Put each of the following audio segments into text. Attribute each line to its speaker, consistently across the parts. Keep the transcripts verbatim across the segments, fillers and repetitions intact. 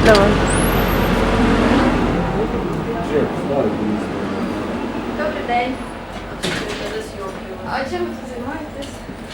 Speaker 1: Давай.
Speaker 2: Добрий день. А чим ви тут займаєтесь?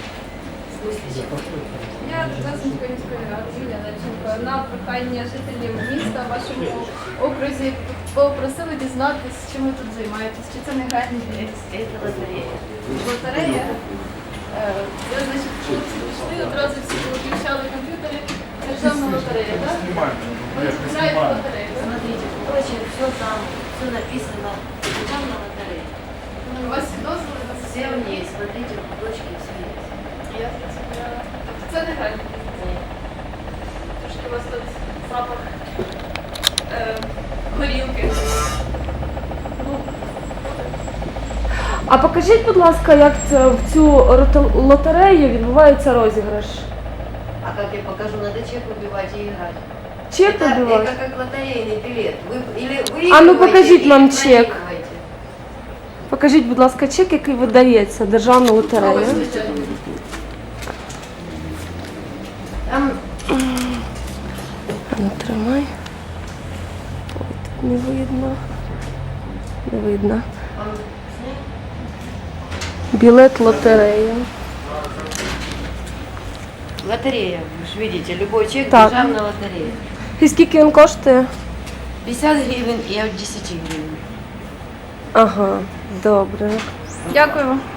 Speaker 2: Я Донецької міської ради Юлія Левченко. На прохання жителів міста в вашому окрузі попросили дізнатися, чим ви тут займаєтесь. Чи це не гральний бізнес?
Speaker 3: Це лотерея.
Speaker 2: Лотерея? Е, Це значить, хлопці пішли, одразу всі повиключали комп'ютери. Державна лотерея, так? Ви купляєте лотерею, так?
Speaker 3: Смотрите, короче, все там, все написано. Державная лотерея.
Speaker 2: У вас всі дозволи на
Speaker 3: Все в ней, смотрите, кусочки, все есть.
Speaker 2: Я зрозуміла. Тобто це не гральний бізнес?
Speaker 3: Нет.
Speaker 2: Трошки у вас тут запах е, горілки. Ну,
Speaker 1: А покажіть, будь ласка, як це в цю роте- лотерею відбувається розіграш?
Speaker 3: А как я покажу, надо чек выбивать и играть.
Speaker 1: Чек
Speaker 3: это,
Speaker 1: вибивати?
Speaker 3: это как лотерейный билет. Вы, или вы
Speaker 1: А ну покажіть нам чек.
Speaker 3: проигрываете.
Speaker 1: Покажіть, будь ласка, чек, який видається державна лотерея.
Speaker 3: Там
Speaker 1: Ну, тримай. Ой, тут не видно. Не видно.
Speaker 3: он снял.
Speaker 1: Білет лотерея.
Speaker 3: Лотерея, вы же видите, любой чек,
Speaker 1: Так.
Speaker 3: державная лотерея.
Speaker 1: І скільки він коштує?
Speaker 3: пятьдесят гривен и от десяти гривен.
Speaker 1: Ага, добре.
Speaker 2: дякую.